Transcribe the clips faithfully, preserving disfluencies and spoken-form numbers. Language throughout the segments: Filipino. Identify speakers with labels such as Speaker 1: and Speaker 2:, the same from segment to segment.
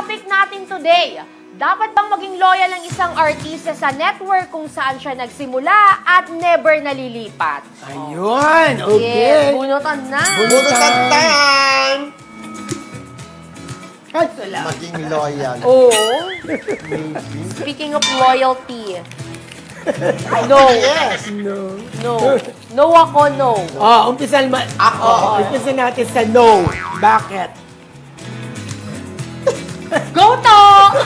Speaker 1: topic natin today. Dapat bang maging loyal ang isang artista sa network kung saan siya nagsimula at never nalilipat?
Speaker 2: Ayun,
Speaker 1: Yes,
Speaker 2: okay.
Speaker 1: bunutan na.
Speaker 3: Bunutan time!
Speaker 2: Ay, salamat.
Speaker 3: Maging loyal.
Speaker 1: Oo.
Speaker 3: Maybe.
Speaker 1: Speaking of loyalty. No.
Speaker 3: Yes.
Speaker 2: No.
Speaker 1: No. No ako, no.
Speaker 2: Oh, umpisan ma-
Speaker 3: Ako.
Speaker 2: umpisan natin sa no. Bakit?
Speaker 1: Go to!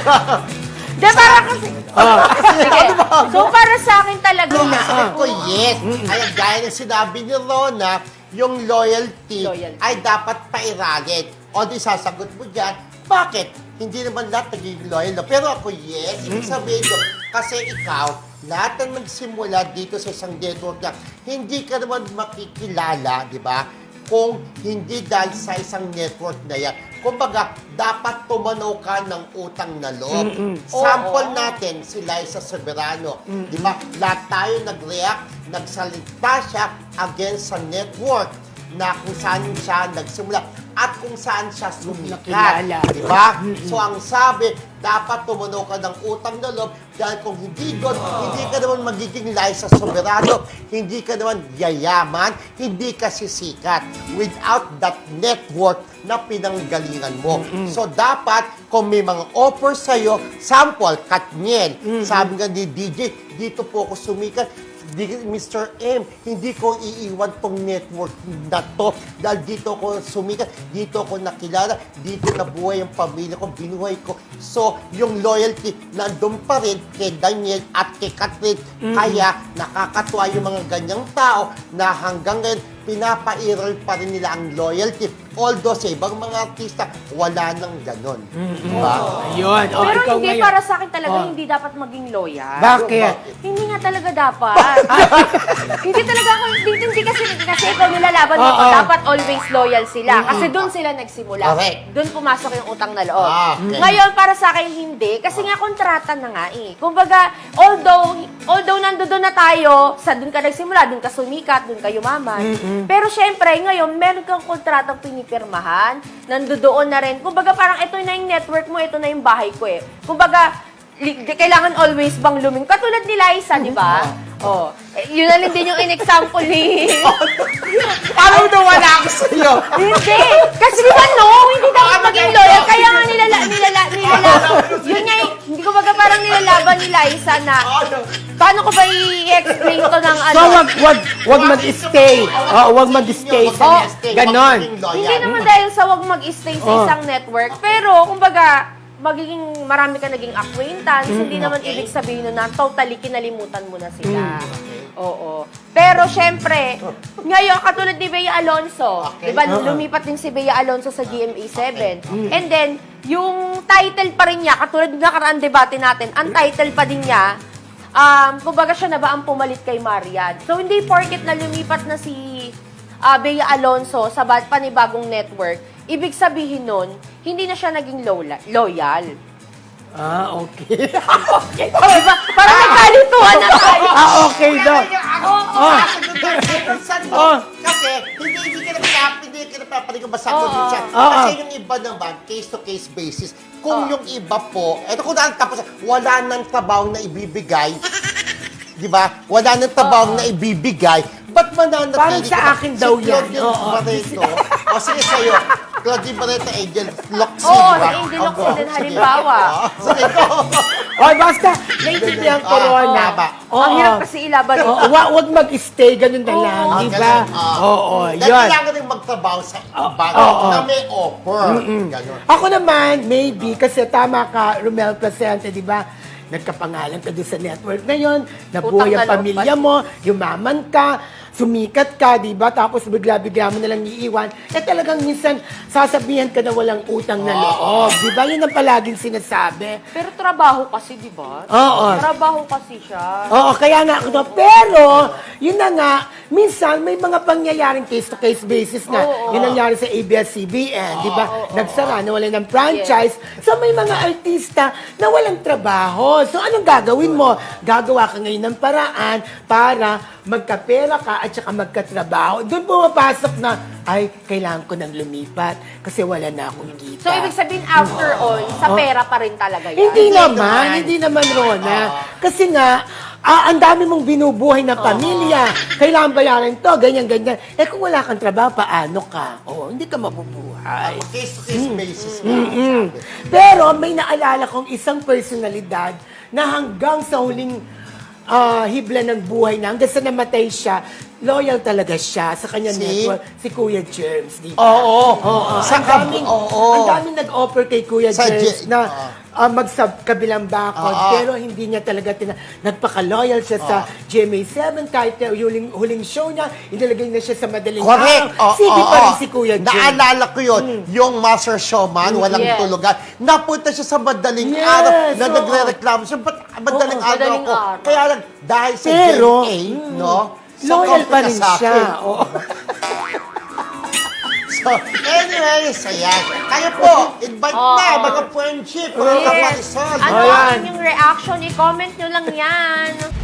Speaker 1: De, para kasi...
Speaker 2: Oh.
Speaker 1: Sige. So, para sa akin talaga
Speaker 3: Nung
Speaker 1: na.
Speaker 3: sabi ko, yes. Ay, gaya ng sinabi ni Rona, yung loyalty,
Speaker 1: Loyalty.
Speaker 3: ay dapat pairagin. O di sasagot mo dyan, bakit? Hindi naman lahat naging loyal. No? Pero ako, yes. Ibig sabihin ko, kasi ikaw, lahat na nagsimula dito sa isang network na hindi ka naman makikilala, di ba? Kung hindi dahil sa isang network na yan. Kumbaga, dapat tumanaw ka ng utang na loob. Sample
Speaker 1: Oo.
Speaker 3: natin si Liza Soberano. Di ba? Lahat tayo nag-react, nagsalita siya against sa network na kung saan siya nagsimula at kung saan siya sumikat.
Speaker 2: Nakilala.
Speaker 3: Di ba? So, ang sabi, dapat tumunaw ka ng utang na loob dahil kung hindi doon, hindi ka naman magiging Liza Soberano, hindi ka naman yayaman, hindi ka sisikat without that network na pinanggalingan mo. So, dapat, kung may mga offer sa'yo, sample, Katniel, sabi nga ni D J, dito po ako sumikat, Di, Mister M, hindi ko iiwan tong network na to dahil dito ko sumikat, dito ko nakilala, dito nabuhay ang pamilya ko, binuhay ko. So, yung loyalty nandun pa rin kay Daniel at kay Catherine. Kaya, nakakatuwa yung mga ganyang tao na hanggang ngayon, pinapairal pa rin nila ang loyalty. Although sa ibang mga artista, wala nang ganon. Diba?
Speaker 2: Ayun. Oh,
Speaker 1: Pero
Speaker 2: ikaw
Speaker 1: hindi,
Speaker 2: ngayon.
Speaker 1: para sa akin talaga,
Speaker 2: Oh.
Speaker 1: hindi dapat maging loyal.
Speaker 2: Bakit?
Speaker 1: Hindi nga talaga dapat. Hindi talaga ako, hindi, hindi kasi, kasi ikaw nilalaban mo,
Speaker 2: Oo.
Speaker 1: dapat always loyal sila. Kasi doon sila nagsimula.
Speaker 3: Correct.
Speaker 1: Doon pumasok yung utang na loob.
Speaker 3: Ah, okay.
Speaker 1: Ngayon, para sa akin, hindi. Kasi nga, kontrata na nga eh. Kumbaga, although, although nandoon na tayo, sa doon ka nagsimula, doon ka sumikat, doon ka yumaman. Pero syempre, ngayon, meron kang kontratang pinipirmahan, nandoon na rin. Kumbaga, parang ito na yung network mo, ito na yung bahay ko eh. Kumbaga, li- kailangan always bang luming. Katulad ni Liza, di ba? Oh. Eh, yun na rin din yung in-example ni...
Speaker 3: Parang nawala ako sa'yo.
Speaker 1: Hindi! Kasi di ba no? Hindi dapat maging loyal. Kaya nga nilala... nilala... nilala... Yun nga, eh, hindi ko baga parang nilalaban ni Liza na... Paano ko ba i-explain to ng ano?
Speaker 2: So, wag, wag, wag mag-stay. Oh, wag mag-stay sa
Speaker 1: Oh,
Speaker 2: net. Ganon.
Speaker 1: Hindi naman dahil sa wag mag-stay sa
Speaker 2: Oh.
Speaker 1: isang network. Pero, kumbaga, magiging marami ka naging acquaintance, hindi naman
Speaker 3: Okay.
Speaker 1: ibig sabihin nun na totally kinalimutan mo na sila. Oo. Pero syempre, ngayon, katulad ni Bea Alonso,
Speaker 3: Okay.
Speaker 1: di ba, lumipat din si Bea Alonso sa G M A seven. And then, yung title pa rin niya, katulad ng nakaraan debate natin, ang title pa din niya, um, kumbaga siya na ba ang pumalit kay Marian. So, hindi porket na lumipat na si uh, Bea Alonso sa ba- panibagong network, ibig sabihin nun, hindi na siya naging lola- loyal.
Speaker 2: Ah, okay.
Speaker 1: Okay. Diba? Parang nagkalituhan na tayo.
Speaker 2: ah, okay daw.
Speaker 3: Ako,
Speaker 2: Oh.
Speaker 3: saan mo?
Speaker 2: Oh.
Speaker 3: Kasi hindi hindi ka na pinap, hindi ka na papanig ang basa ko
Speaker 1: Oo.
Speaker 3: din siya.
Speaker 2: Oo.
Speaker 3: Kasi yung iba naman, case-to-case basis. Kung yung iba po, eto kung daan tapos, wala nang trabaho na ibibigay, di ba? Wala nang trabaho na ibibigay, ba't mananatili
Speaker 2: Parang sa
Speaker 3: ka ba?
Speaker 2: akin daw
Speaker 3: Si
Speaker 2: yan.
Speaker 3: Claudia
Speaker 2: Oo.
Speaker 3: Barreto. O sige sa'yo, Claudia Barreto, Angel Locsin,
Speaker 1: Oo,
Speaker 3: di ba?
Speaker 1: si Angel Locsin
Speaker 3: Ogo.
Speaker 1: din,
Speaker 3: Sige.
Speaker 1: halimbawa.
Speaker 3: Oo. Sige, go.
Speaker 2: Oh, basta, naiintindihan ko,
Speaker 3: Ah,
Speaker 2: Rona.
Speaker 3: tama.
Speaker 2: Oo.
Speaker 1: Ang hirap kasi ilaban.
Speaker 2: Oo, wa- wag mag-stay, ganun na lang,
Speaker 3: Ah,
Speaker 2: di ba?
Speaker 3: ganun, ah.
Speaker 2: Oo,
Speaker 3: Dahil
Speaker 2: yun.
Speaker 3: kailangan rin magtrabaho sa iba
Speaker 2: oo.
Speaker 3: na may offer. Ganun.
Speaker 2: Ako naman, maybe, kasi tama ka, Romel Placente, di ba? Nagkapangalan ka doon sa network na yun, nabuhay
Speaker 1: Utang
Speaker 2: ang
Speaker 1: na loob
Speaker 2: pamilya
Speaker 1: pa.
Speaker 2: mo, yumaman ka, sumikat ka, di ba? Tapos bigla-bigla mo nalang iiwan. Eh talagang minsan, sasabihan ka na walang utang na loob. Di ba? Yun ang palaging sinasabi.
Speaker 1: Pero trabaho kasi, di ba?
Speaker 2: Oo.
Speaker 1: Trabaho kasi siya.
Speaker 2: Oo, kaya nga ako to. Pero, yun na nga, minsan may mga pangyayaring case-to-case basis na.
Speaker 1: Oo.
Speaker 2: Yun nangyari sa A B S C B N, di ba? Nagsara, nawalan ng franchise. So, may mga artista na walang trabaho. So, anong gagawin mo? Gagawa ka ngayon ng paraan para magkapera ka at saka magkatrabaho, doon pumapasok na, ay, kailangan ko nang lumipat kasi wala na akong kita.
Speaker 1: So, ibig sabihin, after all, sa pera pa rin talaga yan.
Speaker 2: Hindi
Speaker 3: Hindi
Speaker 2: naman,
Speaker 3: naman.
Speaker 2: hindi naman, Rona. Kasi nga, ah, ang dami mong binubuhay na pamilya. Kailangan bayaran to, ganyan, ganyan. Eh kung wala kang trabaho, paano ka? Oo, hindi ka mabubuhay.
Speaker 3: Case-to-case basis.
Speaker 2: Mm. Pero may naalala kong isang personalidad na hanggang sa huling ah, hibla ng buhay na, hanggang sa namatay siya, loyal talaga siya sa kanya
Speaker 3: Si?
Speaker 2: network, si Kuya Germs, di ba?
Speaker 3: Oo.
Speaker 2: Oo,
Speaker 3: Sa
Speaker 2: ang daming,
Speaker 3: oo.
Speaker 2: ang daming nag-offer kay Kuya
Speaker 3: Sa
Speaker 2: James
Speaker 3: J-
Speaker 2: na
Speaker 3: oo.
Speaker 2: uh, magkabilang bakod,
Speaker 3: Oo.
Speaker 2: pero hindi niya talaga tina- nagpaka-loyal siya sa G M A seven, kahit na huling, huling show niya, inilagay na siya sa madaling
Speaker 3: Correct.
Speaker 2: araw.
Speaker 3: Oo,
Speaker 2: Sige
Speaker 3: oo,
Speaker 2: pa rin
Speaker 3: oo.
Speaker 2: si Kuya James.
Speaker 3: Naalala ko yun, yung Master Showman, walang
Speaker 1: Yes.
Speaker 3: tulugan. Napunta siya sa madaling
Speaker 2: Yes,
Speaker 3: araw na
Speaker 2: oo.
Speaker 3: nagre-reklamo siya. Ba't madaling
Speaker 2: Oo,
Speaker 3: araw
Speaker 1: madaling
Speaker 3: ako?
Speaker 1: araw.
Speaker 3: Kaya lang, dahil sa
Speaker 2: Pero,
Speaker 3: G M A,
Speaker 2: mm,
Speaker 3: no?
Speaker 2: loyal pa rin
Speaker 3: sa
Speaker 2: siya.
Speaker 3: akin.
Speaker 2: Oo.
Speaker 3: So, anyways, ayan. Kayo po, invite
Speaker 1: Oo.
Speaker 3: na, mga friendship, mga
Speaker 1: Yes.
Speaker 3: kaparisol.
Speaker 1: Ano
Speaker 2: Ayan.
Speaker 1: ang inyong reaction? I-comment nyo lang yan.